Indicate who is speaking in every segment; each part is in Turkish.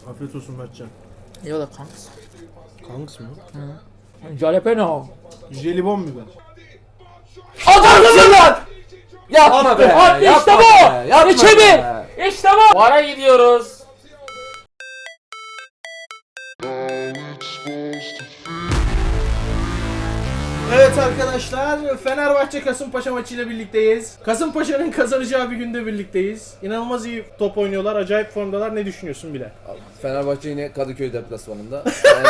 Speaker 1: Afiyet olsun Mertcan.
Speaker 2: Eyvallah kanks.
Speaker 1: Kanks mı?
Speaker 2: Jalapeno.
Speaker 1: Jelibon biber.
Speaker 2: Adamsın lan!
Speaker 3: Yapma be.
Speaker 2: Hadi
Speaker 3: Yapma
Speaker 2: işte bu!
Speaker 3: be, yapma
Speaker 2: İçeri!
Speaker 3: be.
Speaker 2: İşte bu! Vara gidiyoruz.
Speaker 1: Evet arkadaşlar, Fenerbahçe Kasımpaşa maçıyla birlikteyiz. Kasımpaşa'nın kazanacağı bir günde birlikteyiz. İnanılmaz iyi top oynuyorlar, acayip formdalar. Ne düşünüyorsun Bilal?
Speaker 3: Fenerbahçe yine Kadıköy deplasmanında.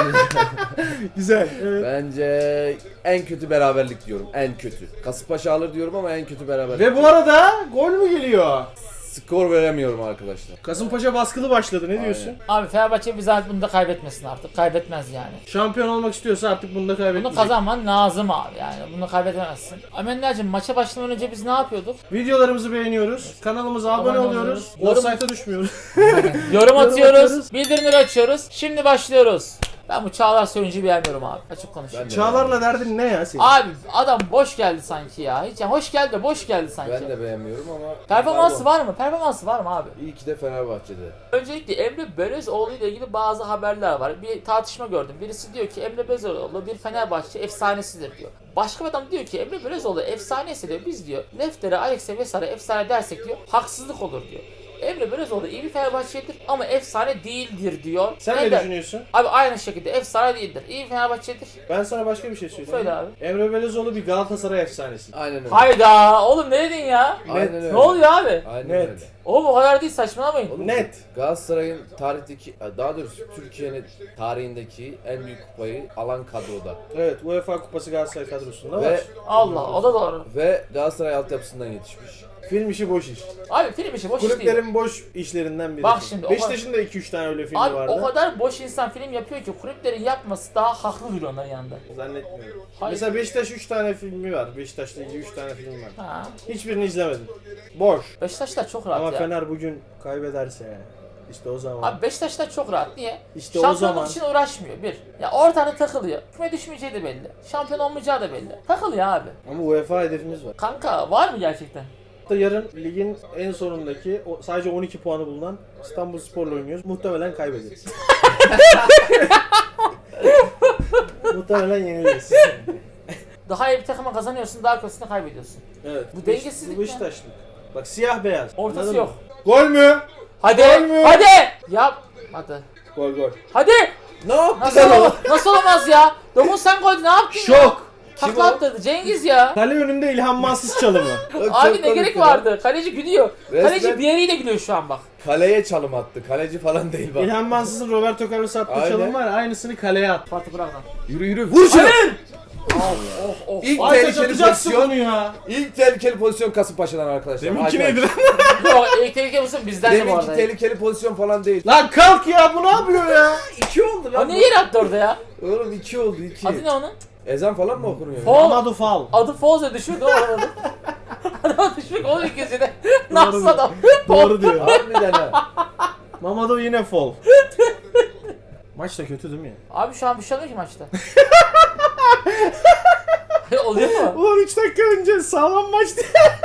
Speaker 1: Güzel. Evet.
Speaker 3: Bence en kötü beraberlik diyorum. En kötü. Kasımpaşa alır diyorum ama en kötü beraberlik.
Speaker 1: Ve bu arada gol mü geliyor?
Speaker 3: Skor veremiyorum arkadaşlar.
Speaker 1: Kasımpaşa baskılı başladı. Ne diyorsun?
Speaker 2: Abi Fenerbahçe bize bunu da kaybetmesin artık. Kaybetmez yani.
Speaker 1: Şampiyon olmak istiyorsa artık bunu da
Speaker 2: Bunu
Speaker 1: kaybetmeyecek.
Speaker 2: kazanman lazım abi yani. Bunu kaybedemezsin. Amender'cim maça başlamadan önce biz ne yapıyorduk?
Speaker 1: Videolarımızı beğeniyoruz. Kanalımıza abone
Speaker 2: Abone
Speaker 1: oluyoruz.
Speaker 2: oluyoruz.
Speaker 1: Offside'a düşmüyoruz.
Speaker 2: Yorum atıyoruz.
Speaker 1: atıyoruz.
Speaker 2: Bildirimleri açıyoruz. Şimdi başlıyoruz. Ben bu Çağlar Söyüncü'yü beğenmiyorum abi. Açık konuşayım.
Speaker 3: Ben de
Speaker 1: Çağlar'la derdin ne ya senin?
Speaker 2: Abi adam boş geldi sanki ya. Hiç yani hoş geldi de boş geldi sanki.
Speaker 3: Ben de beğenmiyorum ama
Speaker 2: Performansı var mı? Performansı var mı abi?
Speaker 3: İyi ki de Fenerbahçe'de.
Speaker 2: Öncelikle Emre Belözoğlu ile ilgili bazı haberler var. Bir tartışma gördüm. Birisi diyor ki Emre Belözoğlu bir Fenerbahçe efsanesidir diyor. Başka bir adam diyor ki Emre Belözoğlu efsanesi diyor. Biz diyor Lefter'e, Alex'e vesaire efsane dersek diyor haksızlık olur diyor. Emre Belözoğlu iyi bir Fenerbahçelidir ama efsane değildir diyor.
Speaker 1: Sen ne
Speaker 2: Neden?
Speaker 1: düşünüyorsun?
Speaker 2: Abi aynı şekilde efsane değildir. İyi bir Fenerbahçelidir.
Speaker 1: Ben sana başka bir şey söyleyeyim.
Speaker 2: Söyle abi.
Speaker 1: Emre Belözoğlu bir Galatasaray efsanesi.
Speaker 3: Aynen öyle.
Speaker 2: Hayda oğlum ne dedin ya?
Speaker 3: Aynen öyle.
Speaker 2: Ne oluyor abi?
Speaker 3: Aynen
Speaker 1: Net.
Speaker 3: öyle.
Speaker 2: Oğlum o kadar değil saçmalamayın.
Speaker 1: Net.
Speaker 3: Galatasaray'ın tarihteki, daha doğrusu Türkiye'nin tarihindeki en büyük kupayı alan kadroda.
Speaker 1: Evet, UEFA Kupası Galatasaray kadrosunda var.
Speaker 3: Ve
Speaker 2: Allah o da doğru.
Speaker 3: Galatasaray altyapısından yetişmiş.
Speaker 1: Film işi boş iş.
Speaker 2: Abi film işi boş iş değil.
Speaker 1: Kulüplerin boş işlerinden biri.
Speaker 2: Bak şimdi, o
Speaker 1: Beşiktaş'ın da 2-3 tane öyle filmi
Speaker 2: Abi
Speaker 1: vardı.
Speaker 2: o kadar boş insan film yapıyor ki kulüplerin yapması daha haklı duruyor onların yanında.
Speaker 1: Zannetmiyorum.
Speaker 2: Hayır.
Speaker 1: Mesela Beşiktaş 3 tane filmi var. Beşiktaş'la ilgili 3 tane film var.
Speaker 2: Ha.
Speaker 1: Hiçbirini izlemedim. Boş.
Speaker 2: Beşiktaşlar çok rahat
Speaker 1: Ama
Speaker 2: ya.
Speaker 1: Fener bugün kaybederse işte o zaman.
Speaker 2: Abi Beşiktaşlar çok rahat. Niye?
Speaker 1: İşte o
Speaker 2: Şampiyonluk
Speaker 1: zaman.
Speaker 2: için uğraşmıyor. Bir. Ya ortada takılıyor. Küme düşmeyeceği de belli. Şampiyon olmayacağı da belli. Takılıyor abi.
Speaker 1: Ama UEFA hedefimiz var.
Speaker 2: Kanka var mı gerçekten?
Speaker 1: Yarın ligin en sonundaki sadece 12 puanı bulunan İstanbulspor'la oynuyoruz. Muhtemelen kaybederiz. Muhtemelen yeniliriz.
Speaker 2: Daha iyi bir takıma kazanıyorsun, daha kötüsünü kaybediyorsun.
Speaker 1: Evet.
Speaker 2: Bu dengesizlik
Speaker 1: Bu
Speaker 2: ne?
Speaker 1: Beşiktaşlık. Bak siyah beyaz.
Speaker 2: Ortası
Speaker 1: Anladın
Speaker 2: yok.
Speaker 1: mı? Gol mü?
Speaker 2: Hadi!
Speaker 1: Gol mü?
Speaker 2: Hadi! Yap! Hadi.
Speaker 1: Gol gol.
Speaker 2: Hadi!
Speaker 3: Ne yaptı
Speaker 2: Nasıl, nasıl olmaz ya? Sen koydun ne yaptın ya?
Speaker 1: Şok.
Speaker 2: Takla attırdı Cengiz ya.
Speaker 1: Kale önünde İlhan Mansız çalımı.
Speaker 2: Abi ne gerek vardı? Kaleci gülüyor.
Speaker 3: Resmen-
Speaker 2: Kaleci bir yeriyle gülüyor şu an bak.
Speaker 3: Kaleye çalım attı. Kaleci falan değil bak.
Speaker 1: İlhan Mansız'ın Roberto Carlos attığı
Speaker 3: Aynen.
Speaker 1: çalım var. Aynısını kaleye at.
Speaker 2: Fatih bırak lan.
Speaker 3: Yürü yürü vur şunu.
Speaker 2: Oh.
Speaker 3: İlk
Speaker 1: Ay
Speaker 3: tehlikeli
Speaker 1: atacaksın
Speaker 3: pozisyon.
Speaker 1: bunu ya.
Speaker 3: İlk tehlikeli pozisyon Kasımpaşa'dan arkadaşlar.
Speaker 1: Deminki
Speaker 3: Acayip.
Speaker 1: neydi
Speaker 2: Yok elektrik mısın bizden de bu
Speaker 3: Deminki
Speaker 2: arada.
Speaker 3: tehlikeli pozisyon falan değil.
Speaker 1: lan kalk ya bu ne yapıyor ya?
Speaker 3: 2 oldu
Speaker 2: O
Speaker 3: lan.
Speaker 2: ne yere attı orada ya?
Speaker 3: Oğlum 2 oldu 2.
Speaker 2: Adı ne onun?
Speaker 3: Ezan falan mı okunuyor?
Speaker 2: Fol.
Speaker 1: Amadou Fall.
Speaker 2: Adı Foze düşürdü o adamı. Adam düşmek onun ikisine. Nasıl
Speaker 1: Doğru.
Speaker 2: adam?
Speaker 1: Doğru diyor.
Speaker 3: Harbiden ha.
Speaker 1: Mamadou yine fall. Maç da kötü değil mi ya?
Speaker 2: Abi şu an bir şey olmuyor ki maçta. Oluyor mu?
Speaker 1: Ulan 3 dakika önce sağlam maçtı.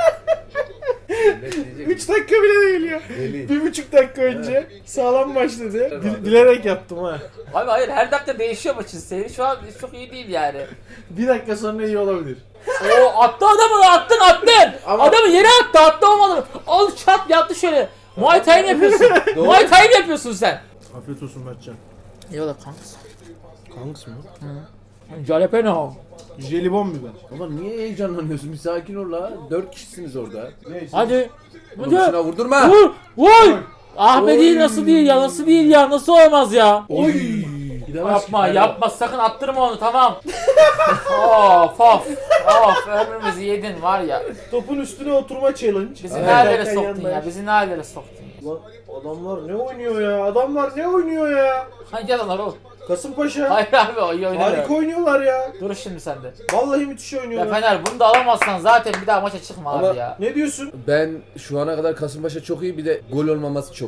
Speaker 3: Ne diyecek?
Speaker 1: 3 dakika bile değil ya.
Speaker 3: Deli.
Speaker 1: 1,5 dakika önce sağlam başladı. Bilerek yaptım ha.
Speaker 2: Abi hayır her dakika değişiyor maçın seyri. Şu an çok iyi değil yani.
Speaker 1: 1 dakika sonra iyi olabilir.
Speaker 2: Oo attı adamı attın.
Speaker 3: Ama-
Speaker 2: Adamı yere attı olmadı mı? Al çat yattı şöyle. Muay Thai mi yapıyorsun?
Speaker 3: Doğru.
Speaker 2: Muay Thai mi yapıyorsun sen?
Speaker 1: Afiyet olsun Mertcan.
Speaker 2: Eyvallah kanks.
Speaker 1: Kanks mı?
Speaker 2: Jalapeno.
Speaker 1: Jelibon biber.
Speaker 3: Baba niye heyecanlanıyorsun? Bir sakin ol la. 4 kişisiniz orada.
Speaker 1: Neyse.
Speaker 2: Hadi.
Speaker 3: Oğlum şuna vurdurma.
Speaker 2: Vur. Vur. Ah be
Speaker 3: Oy.
Speaker 2: değil nasıl değil ya nasıl değil ya nasıl olmaz ya.
Speaker 3: Oy.
Speaker 2: Yapma sakın attırma onu tamam. of ömrümüzü yedin var ya.
Speaker 1: Topun üstüne oturma challenge.
Speaker 2: Bizi
Speaker 1: Evet.
Speaker 2: nerelere
Speaker 1: Derken
Speaker 2: soktun
Speaker 1: yandan.
Speaker 2: ya bizi nerelere soktun ya.
Speaker 1: Ulan adamlar ne oynuyor ya? Adamlar ne oynuyor ya?
Speaker 2: Hangi adamlar oğlum?
Speaker 1: Kasımpaşa.
Speaker 2: Hayır abi o iyi oynamıyor.
Speaker 1: Harika oynuyorlar ya.
Speaker 2: Dur şimdi sende.
Speaker 1: Vallahi müthiş
Speaker 2: Ya
Speaker 1: oynuyorlar.
Speaker 2: Fener bunu da alamazsan zaten bir daha maça çıkma
Speaker 3: Ama-
Speaker 2: abi ya.
Speaker 1: Ne diyorsun?
Speaker 3: Ben şu ana kadar Kasımpaşa çok iyi, bir de gol olmaması çok iyi.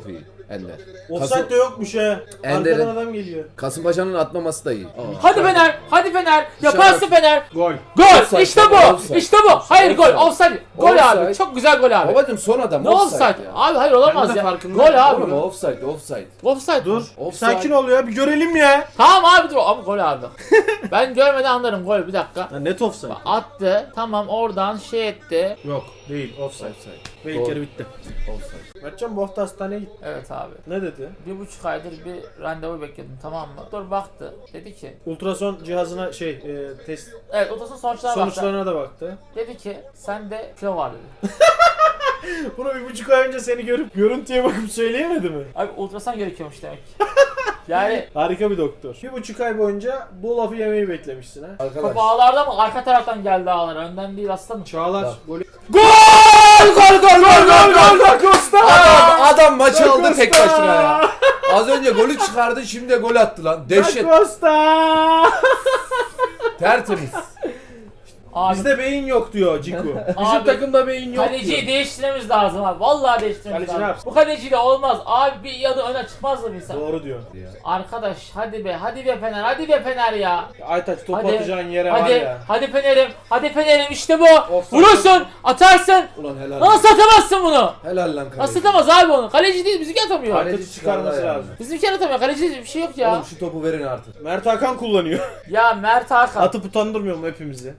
Speaker 3: Ender.
Speaker 1: Offside de yokmuş he.
Speaker 3: Ender'in-
Speaker 1: Arkadan adam geliyor.
Speaker 3: Kasımpaşa'nın atmaması da iyi.
Speaker 2: Hadi Fener, hadi Fener. Yaparsın Fener.
Speaker 1: Gol.
Speaker 2: Gol.
Speaker 3: Offside,
Speaker 2: İşte bu.
Speaker 3: offside.
Speaker 2: İşte bu. Hayır gol.
Speaker 3: Offside.
Speaker 2: Offside. Gol
Speaker 3: Offside.
Speaker 2: abi. Çok güzel gol abi.
Speaker 3: Babacım son adam
Speaker 2: Ne offside?
Speaker 3: ya.
Speaker 2: Abi hayır
Speaker 1: Ben
Speaker 2: olamaz
Speaker 1: de
Speaker 2: ya.
Speaker 1: farkındayım.
Speaker 2: Gol abi.
Speaker 3: Oğlum offside, offside.
Speaker 2: Offside.
Speaker 1: Dur.
Speaker 3: Offside.
Speaker 1: Sakin ol ya, bir görelim ya.
Speaker 2: Tamam abi dur. Ama gol abi. Ben görmeden anlarım gol. Bir dakika.
Speaker 1: Ya net offside.
Speaker 2: Attı. Tamam oradan şey etti.
Speaker 1: Yok, değil offside.
Speaker 3: Offside.
Speaker 1: Ve ilk
Speaker 3: Doğru.
Speaker 1: yarı bitti.
Speaker 3: Offside.
Speaker 1: Mertcan bu hafta hastaneye gitti.
Speaker 2: Evet abi.
Speaker 1: Ne dedi?
Speaker 2: 1,5 aydır bir randevu bekledim, tamam mı? Doktor baktı. Dedi ki
Speaker 1: Ultrason cihazına test
Speaker 2: evet ultrason sonuçlarına baktı.
Speaker 1: sonuçlarına da baktı.
Speaker 2: Dedi ki sende kilo var dedi.
Speaker 1: Bunu 1,5 ay önce seni görüp görüntüye bakıp söyleyemedi mi?
Speaker 2: Abi ultrason gerekiyormuş demek. Yani
Speaker 1: Harika bir doktor. 1,5 ay boyunca bu lafı yemeyi beklemişsin ha.
Speaker 2: top
Speaker 3: Arkadaş.
Speaker 2: ağlarda mı? Arka taraftan geldi ağlar. Önden değil aslanım.
Speaker 1: Çağlar
Speaker 3: Bak.
Speaker 1: golü.
Speaker 2: Gol! Gol gol gol
Speaker 1: Da Costa!
Speaker 3: Adam maçı
Speaker 1: Da
Speaker 3: aldı tek
Speaker 1: Costa!
Speaker 3: başına ya. Az önce golü çıkardı, şimdi de gol attı lan. Dehşet.
Speaker 1: Da Costa!
Speaker 3: Tertemiz.
Speaker 2: Abi
Speaker 1: Bizde beyin yok diyor Ciku. Bizim
Speaker 2: Abi,
Speaker 1: takımda beyin yok
Speaker 2: kaleciyi
Speaker 1: diyor.
Speaker 2: değiştirmemiz lazım abi. Vallahi değiştirmemiz
Speaker 1: Kaleci ne
Speaker 2: lazım.
Speaker 1: yapsın?
Speaker 2: Bu kaleciyle olmaz. Abi bir yadı öne çıkmaz mı insan?
Speaker 1: Doğru diyor.
Speaker 2: Arkadaş hadi be Fener, hadi be Fener ya.
Speaker 1: Aytaç top
Speaker 2: Hadi,
Speaker 1: atacağın yere var
Speaker 2: Hadi,
Speaker 1: ya.
Speaker 2: hadi Fener'im işte bu.
Speaker 1: Offside.
Speaker 2: Vurursun, atarsın.
Speaker 3: Ulan helal.
Speaker 2: Nasıl atamazsın bunu?
Speaker 3: Helal lan kaleci.
Speaker 2: Nasıl atamaz abi onu? Kaleci değil, bizimki atamıyor.
Speaker 3: Kaleci
Speaker 1: Aytaç'ı çıkarması
Speaker 3: çıkardı
Speaker 1: lazım.
Speaker 2: Bizimki atamıyor, kaleci değil, bir şey yok ya.
Speaker 3: Oğlum şu topu verin artık.
Speaker 1: Mert Hakan kullanıyor.
Speaker 2: Ya Mert Hakan.
Speaker 1: Atıp utandırmıyor mu hepimizi?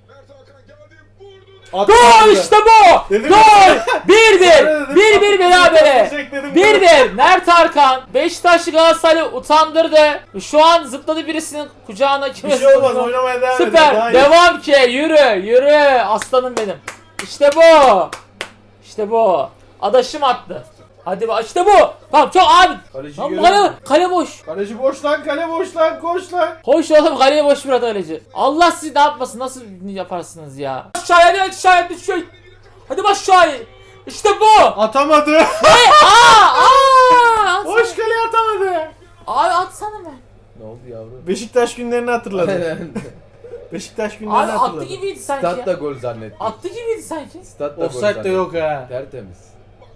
Speaker 1: At
Speaker 2: Gol işte bu!
Speaker 1: Dedim
Speaker 2: Gol!
Speaker 1: ya.
Speaker 2: 1-1! 1-1 berabere!
Speaker 1: Utandıracak dedim.
Speaker 2: 1-1 Mert Hakan Beşiktaşlı Galatasaray'ı utandırdı. Şu an zıpladı birisinin kucağına,
Speaker 1: Bir
Speaker 2: kime
Speaker 1: şey olmaz,
Speaker 2: sığındı?
Speaker 1: oynamaya devam edin.
Speaker 2: Süper.
Speaker 1: Daha iyi.
Speaker 2: Devam ki. Yürü aslanım benim. İşte bu. İşte bu. Adaşım attı. Hadi bak işte bu. Tamam çok abi.
Speaker 1: Kaleci
Speaker 2: Lan
Speaker 1: görüyor.
Speaker 2: kale boş.
Speaker 1: Kaleci boş lan, kale boş lan, koş lan.
Speaker 2: Hoş oğlum, kaleye boş bir kaleci. Allah sizi ne yapmasın, nasıl yaparsınız ya? Aşağıya düşüyor. Hadi bak aşağıya. İşte bu.
Speaker 1: Atamadı.
Speaker 2: Aa!
Speaker 1: Boş kaleye atamadı.
Speaker 2: Abi atsana be.
Speaker 3: Ne oldu yavrum?
Speaker 1: Beşiktaş günlerini hatırladı. Beşiktaş günlerini
Speaker 2: Abi attı
Speaker 1: hatırladı.
Speaker 2: gibiydi sanki
Speaker 3: Statta
Speaker 2: ya.
Speaker 3: gol zannetti.
Speaker 2: Attı gibiydi sanki.
Speaker 3: Statta gol
Speaker 1: Offside de
Speaker 3: zannetti.
Speaker 1: yok ha.
Speaker 3: Tertemiz.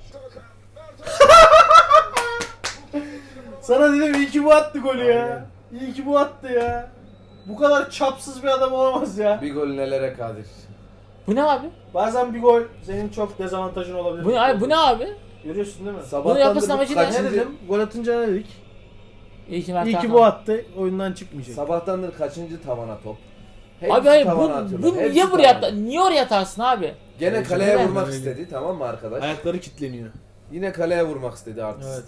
Speaker 1: Sana dedim iyi ki bu attı golü ya. İyi ki bu attı ya. Bu kadar çapsız bir adam olamaz ya.
Speaker 3: Bir gol nelere kadir.
Speaker 2: Bu ne abi?
Speaker 1: Bazen bir gol senin çok dezavantajın olabilir.
Speaker 2: Bu ne abi?
Speaker 1: Görüyorsun değil mi?
Speaker 3: Sabahtan
Speaker 2: yapmasın
Speaker 3: da bu
Speaker 2: amacı ne?
Speaker 1: Ne
Speaker 3: kaçıncı-
Speaker 1: dedim? Gol atınca ne dedik?
Speaker 2: İyi ki Mert
Speaker 1: İyi ki
Speaker 2: Hakan.
Speaker 1: bu attı. Oyundan çıkmayacak.
Speaker 3: Sabahtandır kaçıncı tavana top. Hepsi
Speaker 2: Abi hayır
Speaker 3: tavana
Speaker 2: bu
Speaker 3: atıyorlar. Hepsi
Speaker 2: niye buraya
Speaker 3: tavana.
Speaker 2: niye oraya atarsın abi?
Speaker 3: Gene kaleye
Speaker 2: Neden?
Speaker 3: vurmak istedi, tamam mı arkadaş?
Speaker 1: Ayakları kilitleniyor.
Speaker 3: Yine kaleye vurmak istedi artık.
Speaker 1: Evet.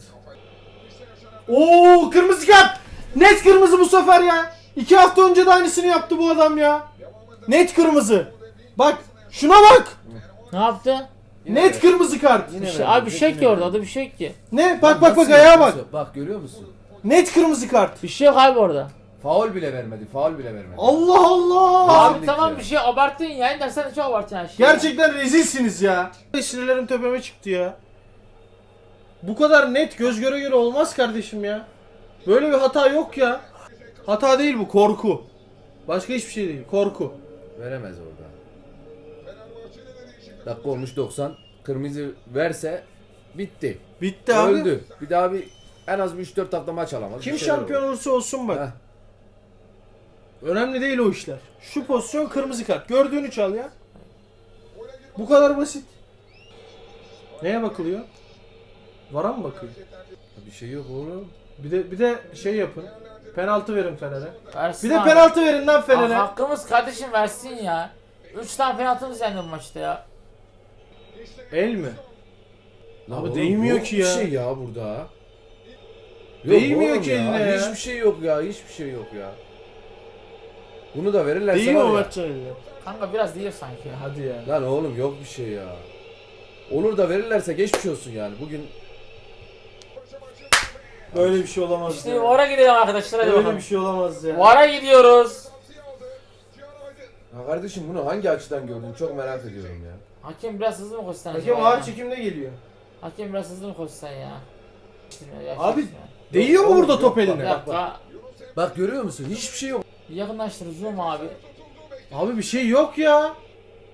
Speaker 1: Oo, kırmızı kart. Net kırmızı bu sefer ya. 2 hafta önce de aynısını yaptı bu adam ya. Net kırmızı. Bak şuna bak.
Speaker 2: Ne yaptı?
Speaker 3: Yine
Speaker 1: Net
Speaker 3: ver.
Speaker 1: kırmızı kart.
Speaker 3: Yine
Speaker 2: İşte
Speaker 3: ver.
Speaker 2: abi bir şey yok ki orada, bir şey yok ki.
Speaker 1: Ne? Bak
Speaker 3: Nasıl
Speaker 1: ayağa bak.
Speaker 3: yapıyorsun? Bak görüyor musun?
Speaker 1: Net kırmızı kart.
Speaker 2: Bir şey yok abi orada.
Speaker 3: Faul bile vermedi, faul bile vermedi.
Speaker 1: Allah Allah.
Speaker 2: Abi
Speaker 3: Kesinlikle.
Speaker 2: tamam bir şey abarttın yani dersen de çok abarttın yani.
Speaker 1: Gerçekten rezilsiniz ya. Sinirlerim tepeme çıktı ya. Bu kadar net göz göre göre olmaz kardeşim ya. Böyle bir hata yok ya. Hata değil bu, korku. Başka hiçbir şey değil, korku.
Speaker 3: Veremez orada. Dakika olmuş 90. Kırmızı verse bitti.
Speaker 1: Bitti abi.
Speaker 3: Öldü. Bir daha en az bir 3-4 hafta maç alamaz.
Speaker 1: Kim
Speaker 3: Bir şeyler
Speaker 1: şampiyon
Speaker 3: olur.
Speaker 1: olursa olsun bak.
Speaker 3: Heh.
Speaker 1: Önemli değil o işler. Şu pozisyon kırmızı kart. Gördüğünü çal ya. Bu kadar basit. Neye bakılıyor? Vara mı bakıyor?
Speaker 3: Bir şey yok oğlum.
Speaker 1: Bir de şey yapın. Penaltı verin Fener'e.
Speaker 2: Versin
Speaker 1: Bir de
Speaker 2: abi.
Speaker 1: penaltı verin lan
Speaker 2: Abi
Speaker 1: Fener'e.
Speaker 2: hakkımız kardeşim versin ya. 3 tane penaltımız yendi bu maçta ya.
Speaker 1: El mi?
Speaker 3: Lan
Speaker 1: Abi
Speaker 3: oğlum,
Speaker 1: değmiyor
Speaker 3: yok
Speaker 1: ki
Speaker 3: bir
Speaker 1: ya.
Speaker 3: şey ya burada. Yok
Speaker 1: Değmiyor
Speaker 3: oğlum
Speaker 1: ki
Speaker 3: ya.
Speaker 1: eline ya.
Speaker 3: Hiçbir şey yok ya. Hiçbir şey yok ya. Bunu da verirlerse
Speaker 1: Değil mi
Speaker 3: var
Speaker 1: o
Speaker 3: ya.
Speaker 1: Mertcan eline?
Speaker 2: Kanka biraz değil sanki ya.
Speaker 1: Hadi ya.
Speaker 3: Lan oğlum yok bir şey ya. Olur da verirlerse geçmiş olsun yani. Bugün
Speaker 1: Böyle bir şey olamaz
Speaker 2: İşte
Speaker 1: ya.
Speaker 2: VAR'a gidelim arkadaşlar hadi
Speaker 1: Böyle
Speaker 2: bakalım.
Speaker 1: bir şey olamaz ya.
Speaker 2: VAR'a gidiyoruz.
Speaker 3: ya kardeşim bunu hangi açıdan gördün çok merak ediyorum ya.
Speaker 2: Hakem biraz hızlı mı koşsan
Speaker 1: Hakem
Speaker 2: acaba
Speaker 1: ağır
Speaker 2: ya?
Speaker 1: çekimde geliyor.
Speaker 2: Hakem biraz hızlı mı koşsan ya?
Speaker 1: Abi, Değiyor mu
Speaker 3: oğlum,
Speaker 1: burada
Speaker 3: yok
Speaker 1: top
Speaker 3: bak,
Speaker 2: Bir
Speaker 1: eline?
Speaker 2: dakika.
Speaker 3: Bak görüyor musun? Hiçbir şey yok.
Speaker 2: Yakınlaştır zoom abi.
Speaker 1: Abi bir şey yok ya.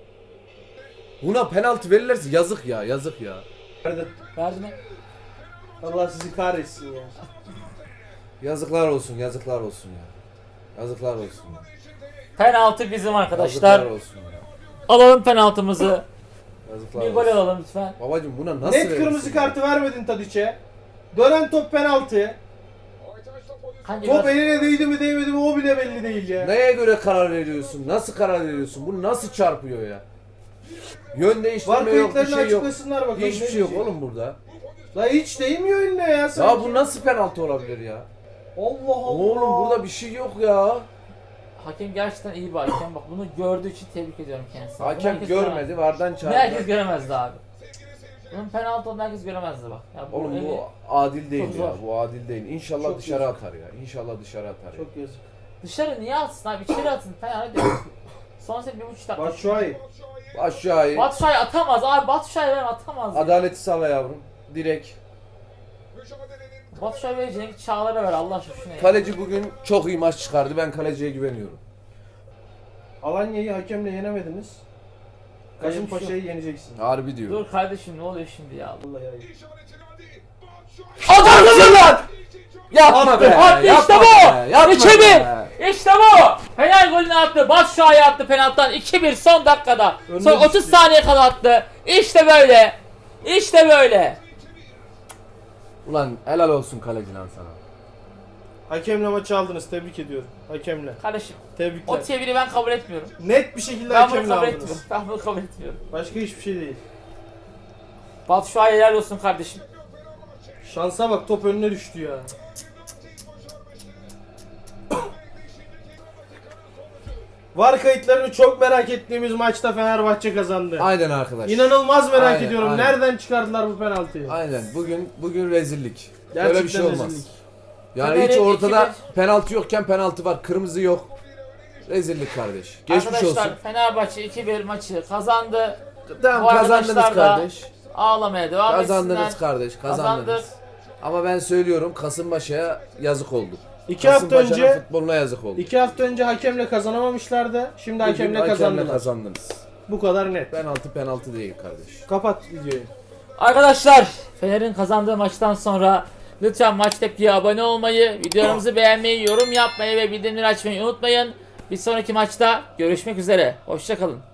Speaker 3: Buna penaltı verirlerse yazık ya, yazık ya.
Speaker 1: Nerede?
Speaker 2: Verdi mi?
Speaker 1: Allah sizi kahretsin ya.
Speaker 3: Yazıklar olsun, yazıklar olsun ya. Yazıklar olsun ya.
Speaker 2: Penaltı bizim arkadaşlar.
Speaker 3: Yazıklar olsun ya.
Speaker 2: Alalım penaltımızı.
Speaker 3: Yazıklar
Speaker 2: Bir gol
Speaker 3: olsun.
Speaker 2: alalım lütfen.
Speaker 3: Babacım buna nasıl
Speaker 1: Net
Speaker 3: verirsin
Speaker 1: kırmızı
Speaker 3: ya?
Speaker 1: kartı vermedin Tadiç'e. Dönen top penaltı.
Speaker 2: Hangi
Speaker 1: Top
Speaker 2: biraz-
Speaker 1: eline değdi mi değmedi mi o bile belli değil ya.
Speaker 3: Neye göre karar veriyorsun? Nasıl karar veriyorsun? Bu nasıl çarpıyor ya? Yön
Speaker 1: Var
Speaker 3: değiştirme yok, bir
Speaker 1: kayıtlarını
Speaker 3: şey yok.
Speaker 1: açıklasınlar bakalım.
Speaker 3: Hiçbir
Speaker 1: ne
Speaker 3: şey yok
Speaker 1: diyecek?
Speaker 3: oğlum burada.
Speaker 1: La hiç değmiyor eline ya sanki.
Speaker 3: Ya bu nasıl penaltı olabilir ya?
Speaker 1: Allah Allah.
Speaker 3: Oğlum burada bir şey yok ya.
Speaker 2: Hakem gerçekten iyi bir hakem. Bak bunu gördüğü için tebrik ediyorum kendisini. Bunu
Speaker 3: Hakem
Speaker 2: herkes
Speaker 3: görmedi,
Speaker 2: göremez.
Speaker 3: vardan
Speaker 2: Bunu herkes
Speaker 3: çağırdı.
Speaker 2: göremezdi abi. Bunun penaltı olduğunu herkes göremezdi bak. Ya
Speaker 3: Oğlum
Speaker 2: eli-
Speaker 3: bu adil değil
Speaker 2: Çok
Speaker 3: ya.
Speaker 2: zor.
Speaker 3: Bu adil değil. İnşallah
Speaker 1: Çok
Speaker 3: dışarı
Speaker 1: yazık.
Speaker 3: atar ya. İnşallah dışarı atar ya.
Speaker 1: Çok yazık.
Speaker 2: Dışarı niye atsın abi? İçeri atın. Penaltı. Son set 1,5 dakika.
Speaker 1: Batshuayi.
Speaker 3: Aşağıya.
Speaker 2: Batshuayi atamaz abi. Batshuayi ben atamaz.
Speaker 3: Adaleti sağla yavrum. Direkt.
Speaker 2: Batshuayi vereceğini Çağlar'a ver Allah aşkına şuna ya.
Speaker 3: Kaleci bugün çok iyi maç çıkardı. Ben kaleciye güveniyorum.
Speaker 1: Alanya'yı hakemle yenemediniz.
Speaker 2: Öyle bir şey
Speaker 1: Kasımpaşa'yı yeneceksin.
Speaker 3: Harbi diyor.
Speaker 2: Dur kardeşim ne oluyor şimdi ya?
Speaker 1: Vallahi ya.
Speaker 3: Adamsın lan! Yapma
Speaker 2: Attı,
Speaker 3: be!
Speaker 2: attı,
Speaker 3: yapma
Speaker 2: işte bu!
Speaker 3: be, yapma
Speaker 2: İçeri!
Speaker 3: be.
Speaker 2: İşte bu! Penal golünü attı. Batshuayi attı penaltıdan 2-1 son dakikada.
Speaker 1: Önüne
Speaker 2: Son 30
Speaker 1: düştü.
Speaker 2: saniye kala attı. İşte böyle. İşte böyle.
Speaker 3: Ulan helal olsun kaleci lan sana.
Speaker 1: Hakemle maçı aldınız. Tebrik ediyorum. Hakemle.
Speaker 2: Kardeşim
Speaker 1: Tebrikler.
Speaker 2: o çeviri ben kabul etmiyorum.
Speaker 1: Net bir şekilde
Speaker 2: Ben bunu
Speaker 1: hakemle
Speaker 2: kabul
Speaker 1: aldınız.
Speaker 2: etmiyorum. Ben bunu kabul etmiyorum.
Speaker 1: Başka hiçbir şey değil.
Speaker 2: Batshuayi helal olsun kardeşim.
Speaker 1: Şansa bak top önüne düştü ya. VAR kayıtlarını çok merak ettiğimiz maçta Fenerbahçe kazandı.
Speaker 3: Aynen arkadaş.
Speaker 1: İnanılmaz merak
Speaker 3: Aynen,
Speaker 1: ediyorum.
Speaker 3: aynen.
Speaker 1: Nereden çıkardılar bu penaltıyı?
Speaker 3: Aynen. Bugün rezillik.
Speaker 1: Gerçekten
Speaker 3: Böyle bir şey olmaz.
Speaker 1: rezillik.
Speaker 3: Yani
Speaker 2: Fener'in
Speaker 3: hiç ortada
Speaker 2: 2-1
Speaker 3: penaltı yokken penaltı var. Kırmızı yok. Rezillik kardeş. Geçmiş
Speaker 2: Arkadaşlar
Speaker 3: olsun.
Speaker 2: Fenerbahçe 2-1 maçı kazandı.
Speaker 3: Tamam
Speaker 2: Bu
Speaker 3: kazandınız
Speaker 2: arkadaşlar da
Speaker 3: kardeş.
Speaker 2: Ağlamaya devam
Speaker 3: Kazandınız
Speaker 2: etsinler.
Speaker 3: kardeş. Kazandınız.
Speaker 2: Kazandık.
Speaker 3: Ama ben söylüyorum Kasımpaşa'ya yazık oldu.
Speaker 1: 2 hafta
Speaker 3: Kasımpaşa'nın
Speaker 1: önce
Speaker 3: futboluna yazık oldu.
Speaker 1: 2 hafta önce hakemle kazanamamışlardı. Şimdi
Speaker 3: Bugün
Speaker 1: hakemle kazandılar.
Speaker 3: kazandınız.
Speaker 1: Bu kadar net.
Speaker 3: Penaltı değil kardeş.
Speaker 1: Kapat videoyu.
Speaker 2: Arkadaşlar Fener'in kazandığı maçtan sonra lütfen Maç Tepki'ye abone olmayı, videolarımızı beğenmeyi, yorum yapmayı ve bildirimleri açmayı unutmayın. Bir sonraki maçta görüşmek üzere. Hoşça kalın.